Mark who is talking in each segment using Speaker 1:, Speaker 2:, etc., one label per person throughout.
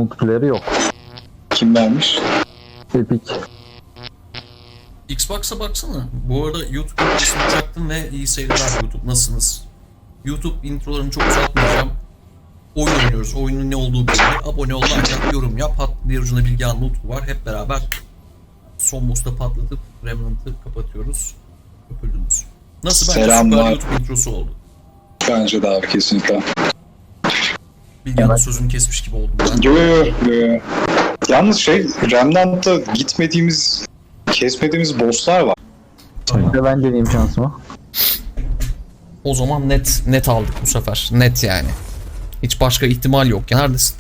Speaker 1: multiplayer'ı yok.
Speaker 2: Kim vermiş?
Speaker 1: Epic.
Speaker 3: Xbox'a baksana. Bu arada YouTube introsunu çaktım ve iyi seyirler YouTube. Nasılsınız? YouTube introlarını çok uzatmayacağım. Oyun oynuyoruz. Oyunun ne olduğu belli. Abone ol, like yap, yorum yap. Bir ucunda Bilgehan Mutlu var. Hep beraber son boss'ta patlatıp Remnant'ı kapatıyoruz. Öpüldünüz. Nasıl? Bence
Speaker 2: Selamlar.
Speaker 3: süper YouTube introsu oldu.
Speaker 2: Bence de abi kesinlikle.
Speaker 3: Bilgehan'ın sözünü kesmiş gibi oldum ben.
Speaker 2: Yo. Yalnız Remnant'ta kesmediğimiz bosslar var.
Speaker 1: Bir de ben deneyeyim şansımı.
Speaker 3: O zaman net aldık bu sefer. Net yani. Hiç başka ihtimal yok. Ya neredesin?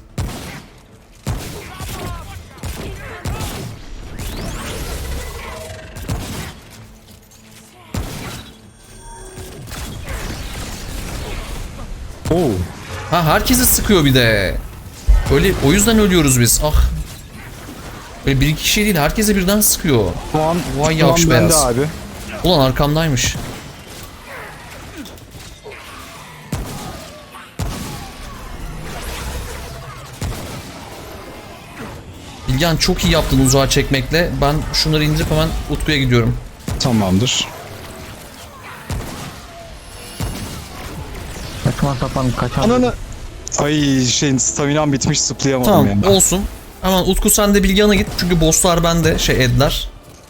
Speaker 1: Oo.
Speaker 3: Ha, herkesi sıkıyor bir de. Öyle, o yüzden ölüyoruz biz. Ah. Böyle bir iki kişi değil, herkese birden sıkıyor. Vay yavş beyaz.
Speaker 1: Abi.
Speaker 3: Ulan arkamdaymış. Bilgehan çok iyi yaptın uzağa çekmekle. Ben şunları indirip hemen Utku'ya gidiyorum.
Speaker 4: Tamamdır.
Speaker 1: Saçma sapan kaçan.
Speaker 4: Ananı. Ay staminam bitmiş, zıplayamadım
Speaker 3: Tamam,
Speaker 4: yani.
Speaker 3: olsun. Hemen Utku sen de Bilgehan'a git çünkü bosslar bende Edler.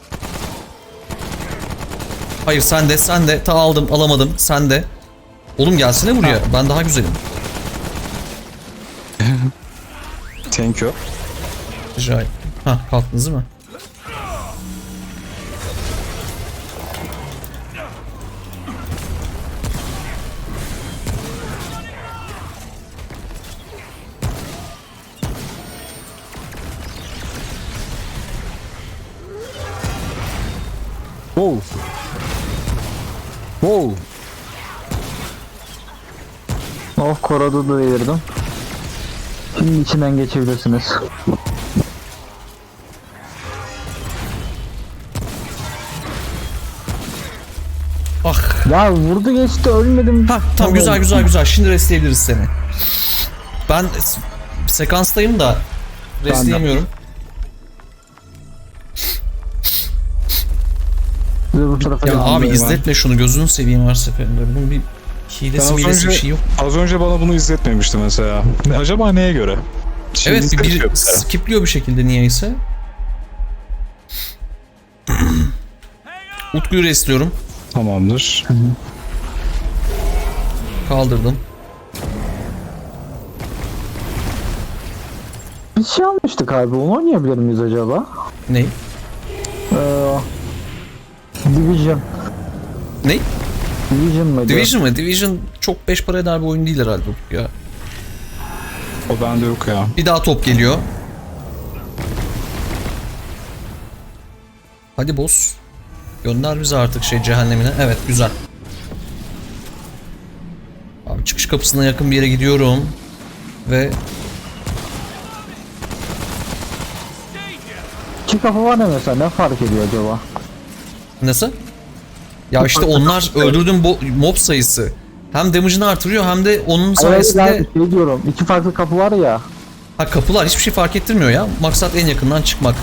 Speaker 3: Hayır sen de ta alamadım sen de. Oğlum gelsene buraya, ben daha güzelim.
Speaker 4: Thank you.
Speaker 3: Rica ederim. Hah, kalktınız değil mi?
Speaker 1: Wow. Wow. Oh, koradu da delirdim. Şimdi içinden geçebilirsiniz.
Speaker 3: Ah.
Speaker 1: Ya vurdu geçti, ölmedim.
Speaker 3: Hah, tamam, güzel. Şimdi restleyebiliriz seni. Ben sekanstayım da restleyemiyorum.
Speaker 1: Size bu tarafa
Speaker 3: Ya
Speaker 1: geldim.
Speaker 3: abi
Speaker 4: ben.
Speaker 3: izletme şunu, gözünü seveyim her seferinde. Bunun bir hilesi milesi bir şey yok.
Speaker 4: Az önce bana bunu izletmemişti mesela. Acaba neye göre? Şimdi
Speaker 3: Evet,
Speaker 4: izletiyor
Speaker 3: bir
Speaker 4: mesela.
Speaker 3: skipliyor bir şekilde niyeyse. Utku'yu restliyorum.
Speaker 4: Tamamdır.
Speaker 3: Kaldırdım.
Speaker 1: Bir şey almıştık abi, onu oynayabilir miyiz acaba?
Speaker 3: Ne?
Speaker 1: Division.
Speaker 3: Ne?
Speaker 1: Division mıydı?
Speaker 3: Division mı? Division çok 5 para eder bir oyun değil herhalde Utku ya.
Speaker 4: O bende yok ya.
Speaker 3: Bir daha top geliyor. Hadi boss. Gönder bizi artık cehennemine. Evet, güzel. Abi çıkış kapısına yakın bir yere gidiyorum. Ve
Speaker 1: İki kafa var ne mesela, ne fark ediyor acaba?
Speaker 3: nasıl? Ya işte onlar öldürdüğün mob sayısı. Hem damage'ını artırıyor hem de onun sayesinde...
Speaker 1: Evet, şey diyorum, iki farklı kapı var ya.
Speaker 3: Ha, kapılar hiçbir şey fark ettirmiyor ya. Maksat en yakından çıkmak.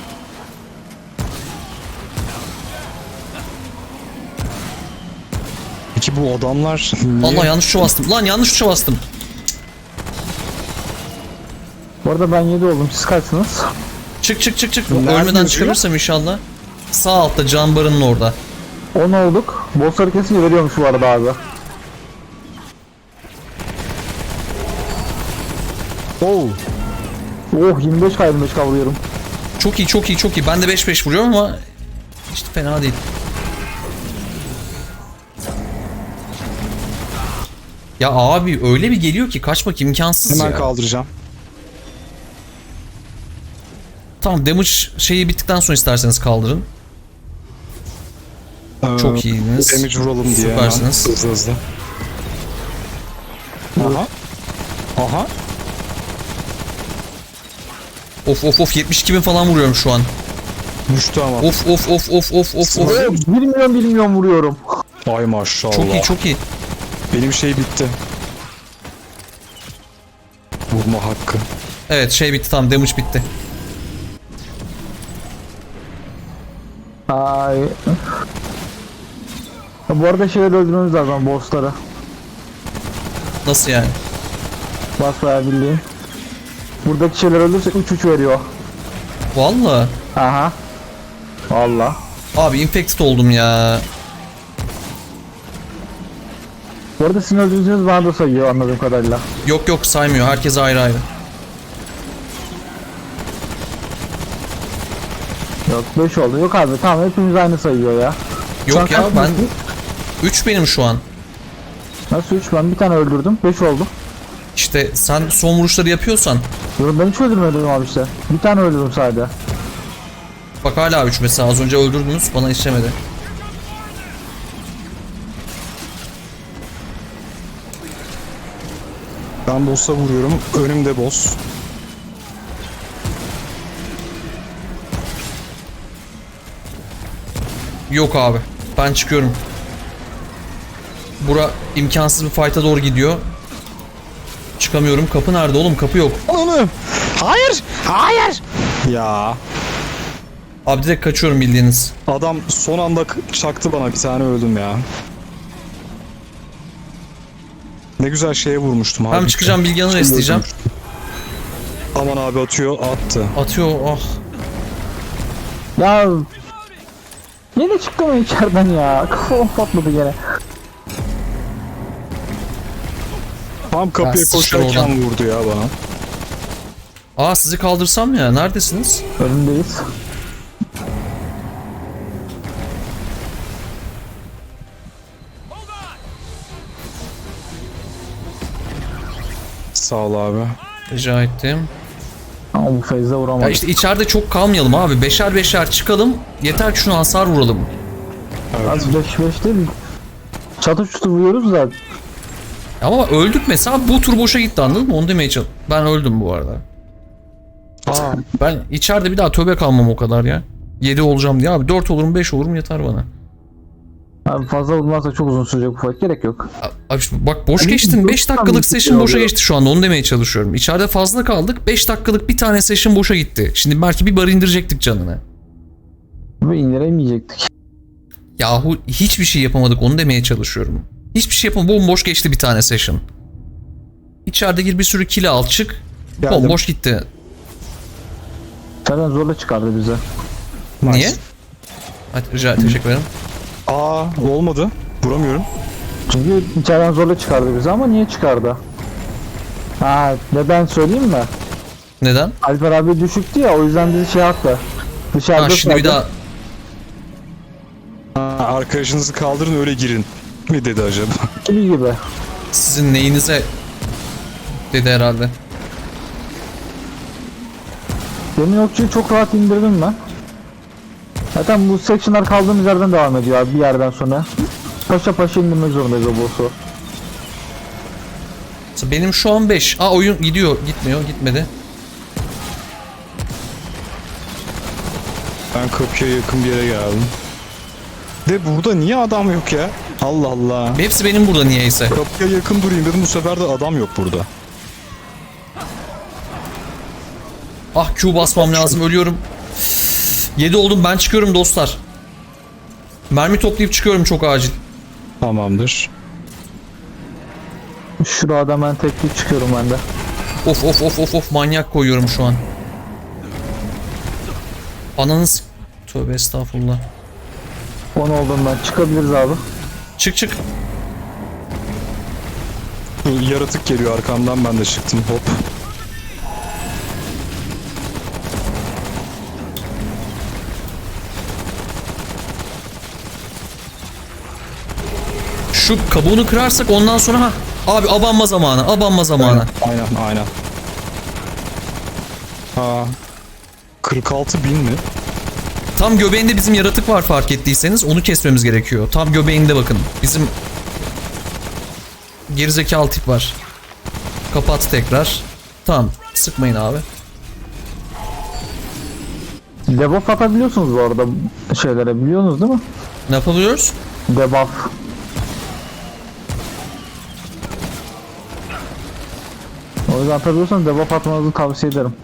Speaker 4: Peki bu adamlar niye?
Speaker 3: Allah, yanlış tuşa bastım. Lan yanlış tuşa bastım.
Speaker 1: Bu arada ben 7 oldum, siz kaçsınız?
Speaker 3: Çık.
Speaker 4: Nerede
Speaker 3: Ölmeden
Speaker 4: yazıyor?
Speaker 3: çıkarırsam inşallah. Sağ altta can barının orada.
Speaker 1: 10 olduk. Bossları kesince veriyormuş bu arada abi. Oh. Oh, 25 kavruyorum.
Speaker 3: Çok iyi. Ben de 5-5 vuruyorum ama işte fena değil. Ya abi öyle bir geliyor ki kaçmak imkansız
Speaker 4: Hemen
Speaker 3: ya.
Speaker 4: kaldıracağım.
Speaker 3: Tamam, damage şeyi bittikten sonra isterseniz kaldırın. Çok iyisiniz.
Speaker 4: Damage vuralım diye.
Speaker 3: Süpersiniz.
Speaker 4: Hemen hızlı. Aha.
Speaker 3: Of 72.000 falan vuruyorum şu an.
Speaker 4: Düştü ama.
Speaker 3: Of.
Speaker 1: Bilmiyorum vuruyorum.
Speaker 4: Ay maşallah.
Speaker 3: Çok iyi.
Speaker 4: Benim şey bitti. Vurma hakkı.
Speaker 3: Evet şey bitti, tamam, damage bitti.
Speaker 1: Ay. Bu arada şeyleri öldürmemiz lazım, bossları.
Speaker 3: Nasıl yani?
Speaker 1: Basbayağı bildiğin. Buradaki şeyler ölürse 3-3 veriyor.
Speaker 3: Vallahi.
Speaker 1: Aha. Valla.
Speaker 3: Abi infected oldum ya.
Speaker 1: Bu arada sizin öldürdüğünüz bana da sayıyor anladığım kadarıyla.
Speaker 3: Yok yok saymıyor. Herkes ayrı ayrı.
Speaker 1: Yok 5 oldu. Yok abi tamam hepimiz aynı sayıyor ya. Şu an
Speaker 3: Yok ya
Speaker 1: kaç
Speaker 3: ben
Speaker 1: mısın?
Speaker 3: 3 benim şu an.
Speaker 1: Nasıl 3 ben bir tane öldürdüm 5 oldu.
Speaker 3: İşte sen son vuruşları yapıyorsan
Speaker 1: Yok ben hiç öldürmedim abi işte. Bir tane öldürdüm sadece.
Speaker 3: bak hala 3 mesela, az önce öldürdünüz bana işlemedi.
Speaker 4: Ben boss'a vuruyorum. Önümde boss.
Speaker 3: Yok abi. Ben çıkıyorum. Bura imkansız bir fight'a doğru gidiyor. Çıkamıyorum. Kapı nerede oğlum? Kapı yok.
Speaker 4: Onu. Hayır. Hayır. Ya.
Speaker 3: Abi direkt kaçıyorum bildiğiniz.
Speaker 4: Adam son anda çaktı bana, bir tane öldüm ya. Ne güzel şeye vurmuştum abi.
Speaker 3: Hem çıkacağım, Bilgehan'ı restleyeceğim.
Speaker 4: Aman abi atıyor, attı.
Speaker 3: Atıyor, ah.
Speaker 1: Ya yine çıktı mı içeriden ya? Kafam patladı gene.
Speaker 4: Tam kapıya
Speaker 3: Ya, sıçtı
Speaker 4: koşarken
Speaker 3: oradan.
Speaker 4: vurdu ya bana.
Speaker 3: Aa sizi kaldırsam ya. Neredesiniz?
Speaker 1: Önündeyiz.
Speaker 4: Sağ ol abi.
Speaker 3: Rica ettim.
Speaker 1: Ama bu Feyz'e
Speaker 3: Ya
Speaker 1: vuramadım.
Speaker 3: işte içeride çok kalmayalım abi. Beşer beşer çıkalım. Yeter ki şuna hasar vuralım.
Speaker 1: Az 5-5 değil. Çatı çutur vuruyoruz da.
Speaker 3: Ama öldük mesela, bu tur boşa gitti, anladın mı? Onu demeye çalışıyorum. Ben öldüm bu arada.
Speaker 4: Aa,
Speaker 3: Ben içeride bir daha tövbe kalmam o kadar ya. 7 olacağım diye abi. 4 olurum 5 olurum yeter bana.
Speaker 1: Abi fazla vurmazsa çok uzun sürecek bu fight. Gerek yok.
Speaker 3: Abi şimdi bak boş
Speaker 1: Hani
Speaker 3: geçtin. 5
Speaker 1: dört
Speaker 3: dakikalık
Speaker 1: tane
Speaker 3: session boşa
Speaker 1: oluyor.
Speaker 3: geçti şu anda. Onu demeye çalışıyorum. İçeride fazla kaldık. 5 dakikalık bir tane session boşa gitti. Şimdi belki bir bar indirecektik canını.
Speaker 1: Ve indiremeyecektik.
Speaker 3: Yahu hiçbir şey yapamadık. Onu demeye çalışıyorum. Hiçbir şey yapamadık. Bomboş geçti bir tane session. İçeride gir bir sürü kill al çık.
Speaker 4: geldim.
Speaker 3: Bomboş gitti.
Speaker 1: İçeriden zorla çıkardı bize.
Speaker 4: Nice.
Speaker 3: Niye? Hadi teşekkür ederim.
Speaker 4: Aa, olmadı. Vuramıyorum.
Speaker 1: Çünkü içeriden zorla çıkardı bizi ama niye çıkardı? Ha neden söyleyeyim mi?
Speaker 3: Neden?
Speaker 1: Alper abi düşüktü ya o yüzden bizi şey yaptı. Dışarıda
Speaker 3: Ha şimdi bir
Speaker 1: kaldı.
Speaker 3: daha
Speaker 4: Ha, arkadaşınızı kaldırın öyle girin. Mi dedi acaba?
Speaker 1: gibi.
Speaker 3: sizin neyinize dedi herhalde.
Speaker 1: Demin okçuyu çok rahat indirdim ben. Zaten bu sectionlar kaldığımız yerden devam ediyor abi bir yerden sonra. Paşa paşa indirmek zorundayız o boss'u.
Speaker 3: Benim şu an 5. Aa oyun gidiyor. Gitmiyor. Gitmedi.
Speaker 4: Ben kapıya yakın bir yere geldim. De burada niye adam yok ya? Allah Allah.
Speaker 3: Hepsi benim burada niyeyse.
Speaker 4: Kapıya yakın durayım dedim, bu sefer de adam yok burada.
Speaker 3: Ah Q basmam lazım. Ölüyorum. 7 oldum. Ben çıkıyorum dostlar. Mermi toplayıp çıkıyorum çok acil.
Speaker 4: Tamamdır.
Speaker 1: Şurada ben teknik çıkıyorum ben de.
Speaker 3: Of of of of of manyak koyuyorum şu an. Ananız. Tövbe estağfurullah.
Speaker 1: 10 oldum ben. Çıkabiliriz abi.
Speaker 3: Çık çık.
Speaker 4: Yaratık geliyor arkamdan, ben de çıktım, hop.
Speaker 3: Şu kabuğunu kırarsak ondan sonra ha. Abi abanma zamanı. Abanma zamanı.
Speaker 4: Aynen. Ha. 46.000 mi?
Speaker 3: Tam göbeğinde bizim yaratık var fark ettiyseniz. Onu kesmemiz gerekiyor. Tam göbeğinde bakın. Bizim gerizekalı tip var. Kapat tekrar. Tamam. Sıkmayın abi.
Speaker 1: Debuff atabiliyorsunuz bu arada şeylere biliyorsunuz değil mi?
Speaker 3: Ne yapabiliyoruz?
Speaker 1: O yüzden atabiliyorsanız debuff atmanızı tavsiye ederim.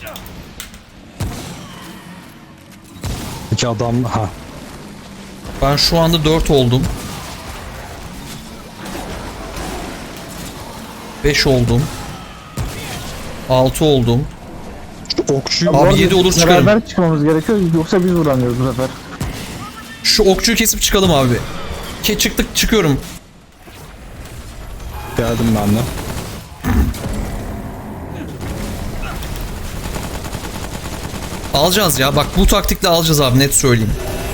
Speaker 4: İki adam ha.
Speaker 3: Ben şu anda 4 oldum. 5 oldum. 6 oldum.
Speaker 4: Şu okçuyu
Speaker 3: Abi
Speaker 1: Bu arada
Speaker 3: 7 olur çıkarım.
Speaker 1: Beraber çıkmamız gerekiyor yoksa biz vuramıyoruz bu sefer.
Speaker 3: Şu okçuyu kesip çıkalım abi. Çıktık çıkıyorum.
Speaker 4: geldim ben de.
Speaker 3: Alacağız ya. Bak bu taktikle alacağız abi, net söyleyeyim.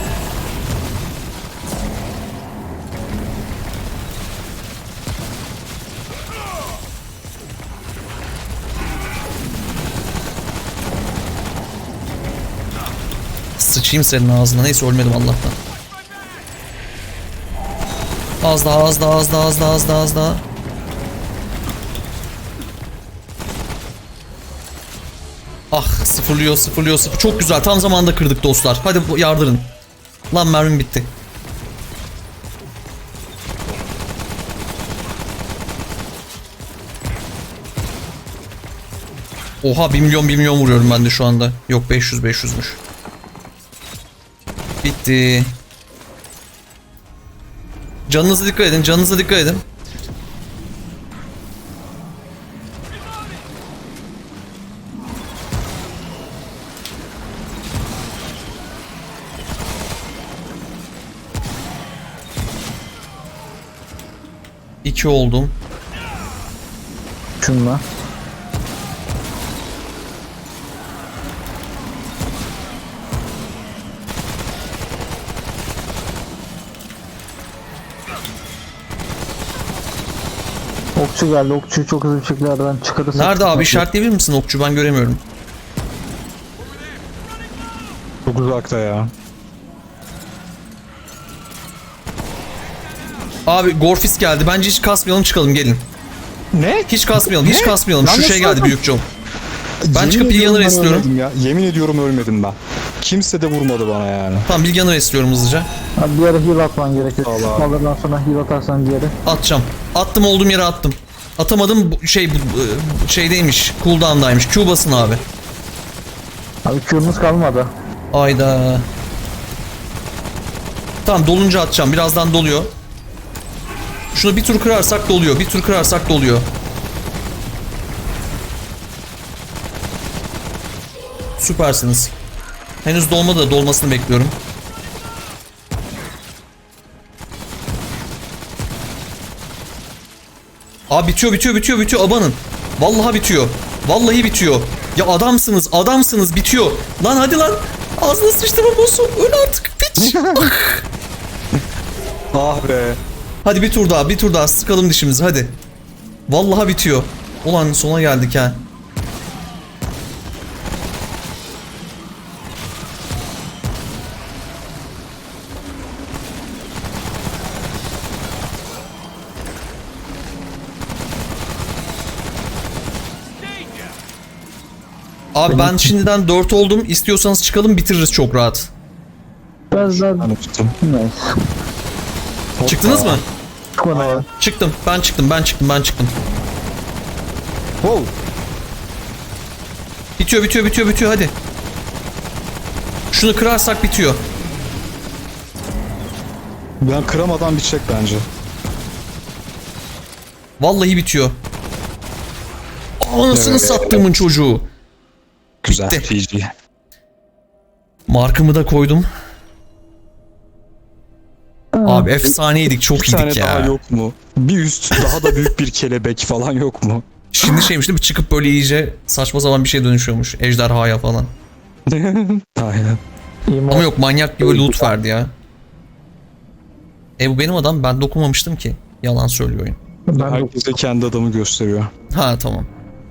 Speaker 3: Sıçayım senin ağzına. Neyse ölmedim Allah'tan. Az daha, az daha, az daha, az daha, az daha, az daha. Ah, sıfırlıyor, sıfırlıyor, sıfır. Çok güzel. Tam zamanında kırdık dostlar. Hadi yardırın. Lan mermim bitti. Oha 1 milyon vuruyorum ben de şu anda. Yok 500'müş. Bitti. Canınıza dikkat edin, canınıza dikkat edin. İki oldum.
Speaker 1: Şunla. Okçu geldi. Okçuyu çok hızlı bir şekilde aradan çıkarırsak.
Speaker 3: Nerede abi, işaretleyebilir misin okçu? Ben göremiyorum.
Speaker 4: Çok uzakta ya.
Speaker 3: Abi Gorfis geldi. Bence hiç kasmayalım, çıkalım, gelin.
Speaker 4: Ne?
Speaker 3: Hiç kasmayalım, hiç
Speaker 4: Ne?
Speaker 3: kasmayalım. Şu
Speaker 4: Lan
Speaker 3: şey
Speaker 4: nasıl
Speaker 3: geldi,
Speaker 4: lan?
Speaker 3: büyük John. Ben
Speaker 4: Yemin
Speaker 3: çıkıp
Speaker 4: ediyorum
Speaker 3: Bilgehan'ı
Speaker 4: ben
Speaker 3: istiyorum.
Speaker 4: ölmedim ya. Yemin ediyorum ölmedim ben. Kimse de vurmadı bana yani.
Speaker 3: Tamam, Bilgehan'ı istiyorum hızlıca.
Speaker 1: Abi bir yere heal atman gerekiyor.
Speaker 4: Allah.
Speaker 1: Sıkmalardan sonra heal atarsan bir yere.
Speaker 3: Atacağım. Attım, olduğum yere attım. Atamadım, şeydeymiş. Cooldown'daymış. Q basın abi.
Speaker 1: Abi Q'nuz kalmadı.
Speaker 3: Ayda. Tamam, dolunca atacağım. Birazdan doluyor. Şunu bir tur kırarsak doluyor. Bir tur kırarsak doluyor. Süpersiniz. Henüz dolmadı da dolmasını bekliyorum. Abi bitiyor. Abanın. Vallahi bitiyor. Vallahi bitiyor. Ya adamsınız, bitiyor. Lan hadi lan. Ağzına sıçtım boss'u. Öl artık piç.
Speaker 4: Ah be.
Speaker 3: Hadi bir tur daha sıkalım dişimizi hadi. Vallahi bitiyor. Ulan sona geldik ha. Abi ben şimdiden 4 oldum. İstiyorsanız çıkalım, bitiririz çok rahat.
Speaker 1: Biraz daha
Speaker 4: Ben tuttum.
Speaker 1: neyse.
Speaker 3: Çıktınız mı?
Speaker 1: Çıkmadı abi.
Speaker 3: Çıktım. Ben çıktım.
Speaker 4: Wow.
Speaker 3: Bitiyor hadi. Şunu kırarsak bitiyor.
Speaker 4: Ben kıramadan bitecek bence.
Speaker 3: Vallahi bitiyor. Anasını
Speaker 4: Evet.
Speaker 3: sattığımın çocuğu.
Speaker 4: Güzel.
Speaker 3: Bitti.
Speaker 4: GG.
Speaker 3: Markımı da koydum. Abi efsaneydik, çok
Speaker 4: Bir tane
Speaker 3: iyiydik
Speaker 4: daha
Speaker 3: ya.
Speaker 4: yok mu? Bir üst daha da büyük bir kelebek falan yok mu?
Speaker 3: Şimdi şeymiş değil mi? Çıkıp böyle iyice saçma sapan bir şey dönüşüyormuş. Ejderhaya falan.
Speaker 4: Aynen.
Speaker 3: Ama yok, manyak gibi loot verdi ya. Bu benim adam, ben dokunmamıştım ki. Yalan söylüyor oyun.
Speaker 1: Ben de
Speaker 4: Herkese kendi adamı gösteriyor.
Speaker 3: Ha tamam.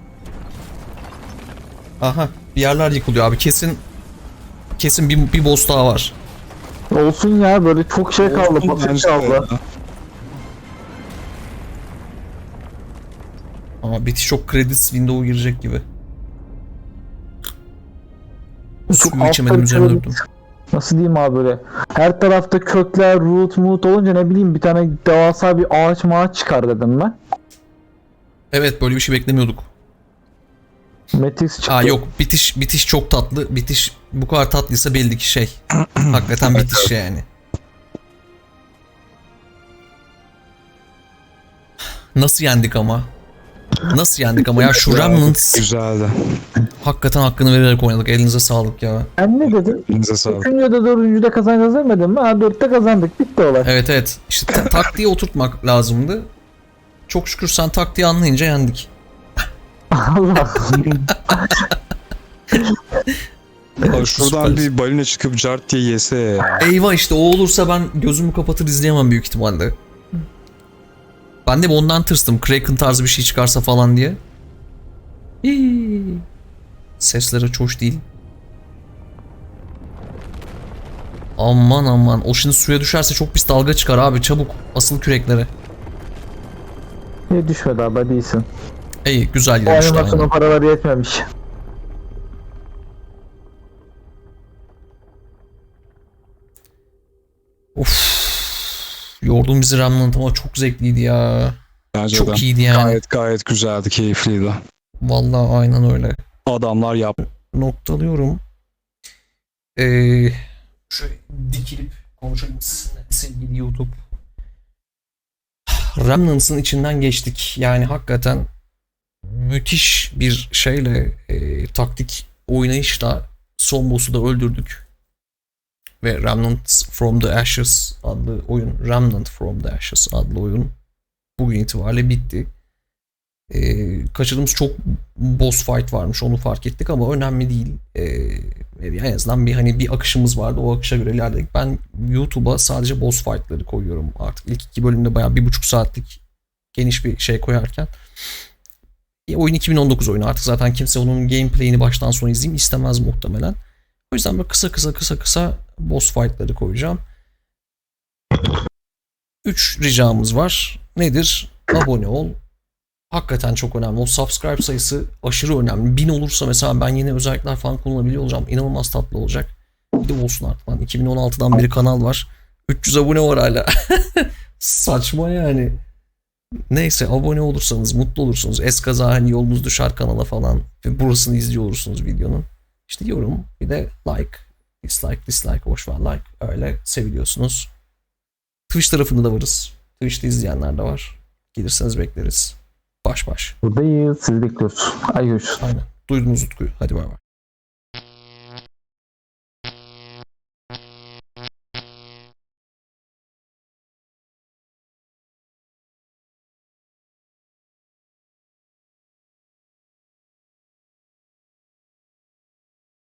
Speaker 3: Aha, bir yerler yıkılıyor abi, kesin bir boss daha var.
Speaker 1: olsun ya, böyle çok şey kaldı.
Speaker 4: Olsun
Speaker 1: Basit
Speaker 4: bence de
Speaker 1: kaldı.
Speaker 4: ya.
Speaker 3: Ama bitiş çok credits window'a girecek gibi. Suyu içemedim, üzerine durdum.
Speaker 1: Nasıl diyeyim abi böyle. Her tarafta kökler, root olunca ne bileyim bir tane devasa bir ağaç çıkar dedim ben.
Speaker 3: Evet, böyle bir şey beklemiyorduk.
Speaker 1: Matrix çıktı.
Speaker 3: Aa yok, bitiş çok tatlı. Bitiş bu kadar tatlıysa belli ki şey. Hakikaten bitiş yani. Nasıl yendik ama? Nasıl yendik ama ya, şu Remnants
Speaker 4: Güzeldi.
Speaker 3: hakikaten hakkını vererek oynadık. Elinize sağlık ya.
Speaker 1: Ben ne dedim?
Speaker 4: Elinize sağlık.
Speaker 1: 3. ya da 4. kazanacağız demedim mi? Ha 4'te kazandık. Bitti olay.
Speaker 3: Evet. İşte taktiği oturtmak lazımdı. Çok şükür sen taktiği anlayınca yendik.
Speaker 1: Allah.
Speaker 4: Abi şuradan
Speaker 3: Süperiz.
Speaker 4: bir balina çıkıp cart diye yese ya.
Speaker 3: Eyvah, işte o olursa ben gözümü kapatır izleyemem büyük ihtimalle. Ben de ondan tırstım. Kraken tarzı bir şey çıkarsa falan diye. Hii. Sesleri hiç hoş değil. Aman aman. O şimdi suya düşerse çok pis dalga çıkar abi. Çabuk asıl küreklere.
Speaker 1: Niye düşmedi abi, hadi iyisin.
Speaker 3: İyi, güzel
Speaker 1: O
Speaker 3: gidiyor işte.
Speaker 1: animasyonun paraları yetmemiş.
Speaker 3: Of. Yordun bizi Remnant ama çok zevkliydi ya.
Speaker 4: Bence
Speaker 3: Çok
Speaker 4: de.
Speaker 3: iyiydi yani.
Speaker 4: Gayet güzeldi, keyifliydi.
Speaker 3: Vallahi aynen öyle.
Speaker 4: Adamlar yap.
Speaker 3: Noktalıyorum. Şöyle dikilip konuşalım sizinle sevgili YouTube. Remnants'ın içinden geçtik. Yani hakikaten müthiş bir şeyle taktik oynayışla son boss'u da öldürdük. Ve Remnant from the Ashes adlı oyun, Remnant from the Ashes adlı oyun bugün itibariyle bitti. Kaçırdığımız çok boss fight varmış, onu fark ettik ama önemli değil. En azından bir akışımız vardı, o akışa göre ilerledik. Ben YouTube'a sadece boss fight'ları koyuyorum artık. İlk 2 bölümde bayağı 1,5 saatlik geniş bir şey koyarken. Oyun 2019 oyunu, artık zaten kimse onun gameplay'ini baştan sona izleyeyim istemez muhtemelen. O yüzden böyle kısa boss fight'ları koyacağım. 3 ricamız var. Nedir? Abone ol. Hakikaten çok önemli. O subscribe sayısı aşırı önemli. 1000 olursa mesela ben yeni özellikler falan kullanabiliyor olacağım. İnanılmaz tatlı olacak. Bir de olsun artık lan. 2016'dan beri kanal var. 300 abone var hala. Saçma yani. Neyse, abone olursanız mutlu olursunuz. Eskaza hani yolunuz düşer kanala falan. Ve burasını izliyor olursunuz videonun. İşte yorum, bir de like. Dislike, boşver like. Öyle seviliyorsunuz. Twitch tarafında da varız. Twitch'te izleyenler de var. Gelirseniz bekleriz. Baş.
Speaker 1: Buradayız. Sizi bekliyoruz. Ay görüşürüz.
Speaker 3: Aynen. Duydunuz Utku'yu. Hadi bay bay.